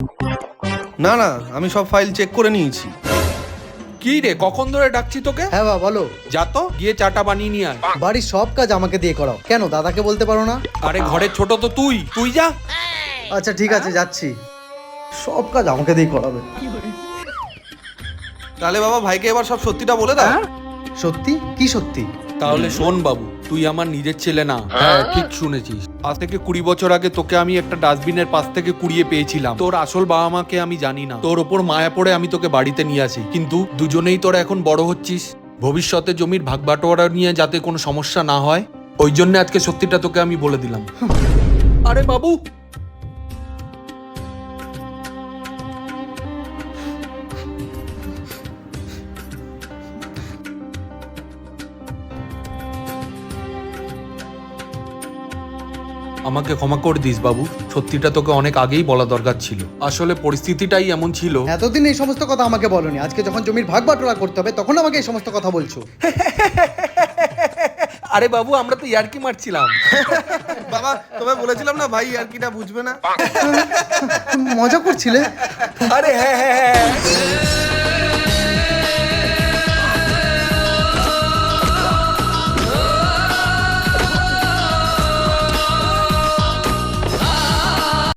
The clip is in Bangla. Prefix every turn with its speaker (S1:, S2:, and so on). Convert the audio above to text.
S1: না না, আমি সব ফাইল চেক করে নিয়েছি।
S2: কি রে, কখন ধরে ডাকছি তোকে?
S3: হ্যাঁ বাবা বলো।
S2: যা তো গিয়ে চাটা বানিয়ে নিয়ে আয়।
S3: বাড়ির সব কাজ আমাকে দিয়ে করাও, কেন দাদাকে বলতে পারো না?
S2: আরে ঘরের ছোট তো তুই, তুই যা।
S3: আচ্ছা ঠিক আছে, যাচ্ছি। সব কাজ আমাকে দিয়ে করাবে।
S1: তাহলে বাবা ভাইকে এবার সব সত্যিটা বলে দাও।
S3: সত্যি? কি সত্যি?
S2: তাহলে শোন বাবু, তুই আমার নিজের ছেলে না। হ্যাঁ ঠিক শুনেছিস। আজ থেকে 20 বছর আগে তোকে আমি একটা ডাস্টবিনের পাশ থেকে কুড়িয়ে পেয়েছিলাম। তোর আসল বাবা মাকে আমি জানি না, তোর ওপর মায়া পড়ে আমি তোকে বাড়িতে নিয়ে আসি। কিন্তু দুজনেই তোরা এখন বড় হচ্ছিস, ভবিষ্যতে জমির ভাগ বাটোয়ারা নিয়ে যাতে কোনো সমস্যা না হয়, ওই জন্য আজকে সত্যিটা তোকে আমি বলে দিলাম। আরে বাবু, আমাকে ক্ষমা করে দিস বাবু, সত্যিটা তোকে অনেক আগেই বলা দরকার ছিল। আসলে পরিস্থিতিটাই এমন ছিল।
S3: এতদিন এই সমস্ত কথা আমাকে বলনি, আজকে যখন জমির ভাগ বাটোয়ারা করতে হবে তখন আমাকে এই সমস্ত কথা বলছো।
S2: আরে বাবু, আমরা তো ইয়ার্কি মারছিলাম।
S1: বাবা তোমায় বলেছিলাম না ভাই আর কিটা বুঝবে না।
S3: মজা করছিলে?
S2: আরে হ্যাঁ হ্যাঁ হ্যাঁ